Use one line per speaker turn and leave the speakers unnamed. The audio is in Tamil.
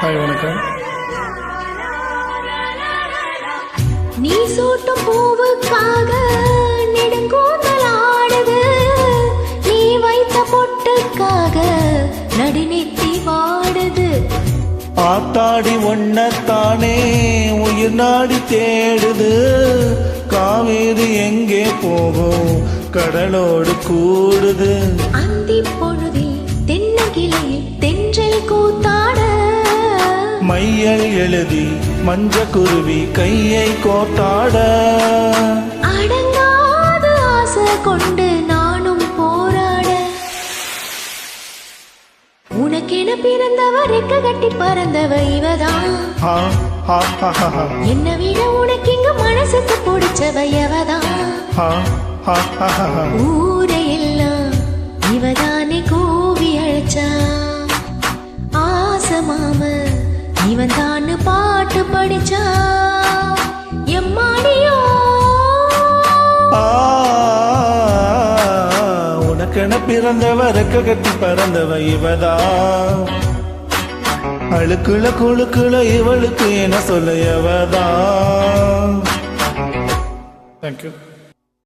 ஹாய் வணக்கம்.
நீ சூட்டும் பூவுக்காக நெடுங்கூந்தல் ஆடுது, நீ வைத்த பொட்டுக்காக நடுநெத்தி வாடுது.
ஆத்தாடி ஒன்னத்தானே உயிர் நாடி தேடுது, காவேரி எங்கே போகும் கடலோடு கூடுது.
அந்தி பொழுதில் தென்னகிளையில் தென்றல் கூத்தாட,
மையல் எழுதி மஞ்ச குருவி கையை கோட்டாட,
அடங்காத ஆசை கொண்டு நானும் போராட. உனக்கென பிறந்தவ ரெக்க கட்டி பறந்தவ இவதான், என்ன விட உனக்கு இங்க மனசுக்கு பிடிச்சவ எவதான். ஊரையெல்லாம் இவதானே கூவி அழைச்சா, ஆசை மாம இவன் தானு பாட்டு படிச்சா. எம்மாடியோ
உனக்கென பிறந்தவ ரெக்க கட்டி பறந்தவ இவதா, அழுக்குல குழுக்குல இவளுக்கு என சொல்ல எவதா. தேங்க்யூ.